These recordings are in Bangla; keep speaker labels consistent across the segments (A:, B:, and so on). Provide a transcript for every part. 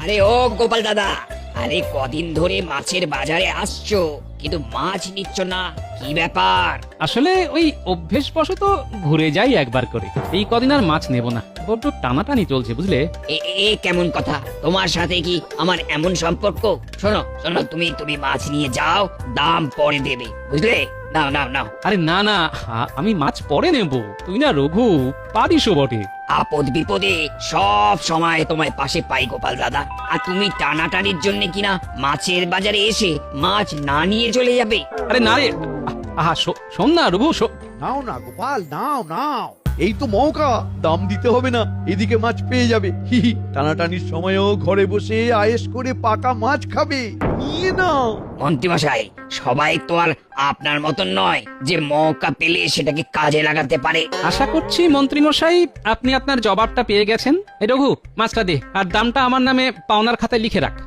A: আরে ও গোপাল দাদা, আরে কদিন ধরে মাছের বাজারে আসছো কিন্তু মাছ নিচ্ছ না, কি ব্যাপার?
B: আসলে ওই অভ্যেসবশত ঘুরে যাই একবার করে, এই কদিন আর মাছ নেব না, বড্ড টানাটানি চলছে বুঝলে।
A: এ এ কেমন কথা? তোমার সাথে কি আমার এমন সম্পর্ক? শোনো শোনো, তুমি তুমি মাছ নিয়ে যাও, দাম পরে দেবে, বুঝলে? নাও নাও নাও।
B: আরে না না, আমি মাছ পরে নেব, তুই না রঘু পারিসও বটে।
A: আপদ বিপদে সব সময় তোমায় পাশে পাই গোপাল দাদা, আর তুমি টানাটানির জন্য কিনা মাছের বাজারে এসে মাছ না নিয়ে চলে যাবে।
B: আরে না রে, আহা শোন না রঘু,
C: নাও না গোপাল, নাও নাও, এই তো মৌকা, দাম দিতে হবে না, এদিকে মাছ পেয়ে যাবে। হি হি, টানাটানির সময়ও ঘরে বসে আয়েশ করে পাকা মাছ খাবে, নিয়ে নাও।
A: মন্ত্রীমশাই, সবাই তো আর আপনার মতন নয় যে মৌকা পেলে সেটাকে কাজে লাগাতে পারে।
B: আশা করছি মন্ত্রীমশাই আপনি আপনার জবাবটা পেয়ে গেছেন। এই রঘু, মাছটা দে, আর দামটা আমার নামে পাওনার খাতায় লিখে রাখ।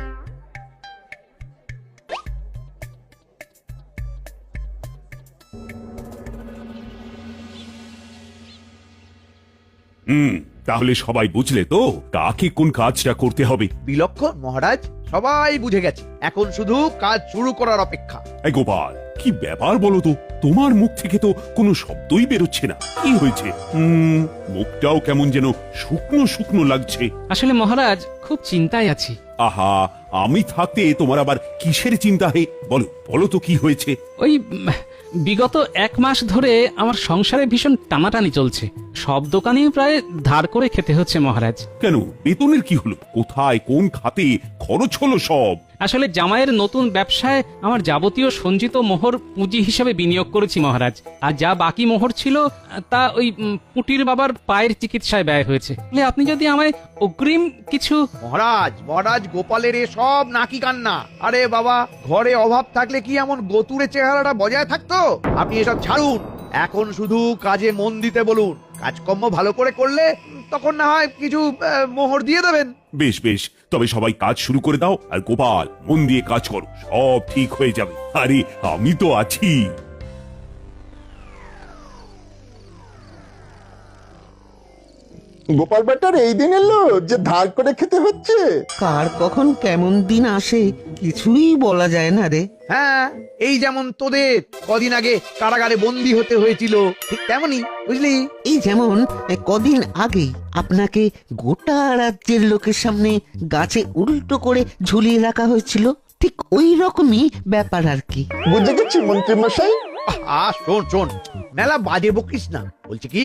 D: তাহলে সবাই বুঝলে তো কাকে কোন কাজটা করতে হবে।
C: বিলক্ষণ মহারাজ, সবাই বুঝে গেছে, এখন শুধু কাজ শুরু করার অপেক্ষা।
D: এই গোপাল, কি ব্যাপার বলো তো, তোমার মুখ থেকে তো কোনো শব্দই বেরোচ্ছে না, কি হয়েছে? মুখটাও কেমন যেন শুকনো শুকনো লাগছে।
B: আসলে মহারাজ, খুব চিন্তায় আছি।
D: আহা, আমি থাকতে তোমার আবার কিসের চিন্তা? হে বলো বলো তো কি হয়েছে?
B: ওই বিগত 1 মাস ধরে আমার সংসারে ভীষণ টানাটানি চলছে, সব দোকানেই প্রায় ধার করে খেতে হচ্ছে মহারাজ।
D: কেন, বেতনের কি হলো? কোথায় কোন খাতে খরচ হলো সব?
B: আসলে জামাইয়ের নতুন ব্যবসায় আমার যাবতীয় সঞ্চিত মোহর পুঁজি হিসেবে বিনিয়োগ করেছি মহারাজ, আর যা বাকি মোহর ছিল তা ওই পুটির বাবার পায়ের চিকিৎসায় ব্যয় হয়েছে। আপনি যদি আমায় অগ্রিম কিছু।
C: মহারাজ মহারাজ, গোপালের এ সব নাকি কান্না। আরে বাবা, ঘরে অভাব থাকলে কি এমন গতুরে চেহারাটা বজায় থাকতো? আপনি এসব ছাড়ুন, এখন শুধু কাজে মন দিতে বলুন। কাজকর্ম ভালো করে করলে তখন না হয় কিছু মোহর দিয়ে দেবেন।
D: বেশ বেশ, তবে সবাই কাজ শুরু করে দাও, আর গোপাল মন দিয়ে কাজ করো, সব ঠিক হয়ে যাবে। আরে আমি তো আছি।
E: গোপাল বেটার এই দিন এলো যে ধার করে খেতে হচ্ছে।
F: কার কখন কেমন দিন আসে কিছুই বলা যায় না রে।
C: হ্যাঁ, এই যেমন তোদের কদিন আগে কারাগারে বন্দী হতে হয়েছিল, ঠিক তেমনই, বুঝলি?
F: এই যেমন কদিন আগেই আপনাকে গোটা রাজ্যের লোকের সামনে গাছে উল্টো করে ঝুলিয়ে রাখা হয়েছিল, ঠিক ওই রকমই ব্যাপার আর কি।
E: বুঝে গেছি মন্ত্রী মশাই।
C: শোন শোন, মেলা বাজে বকিস না। বলছি কি,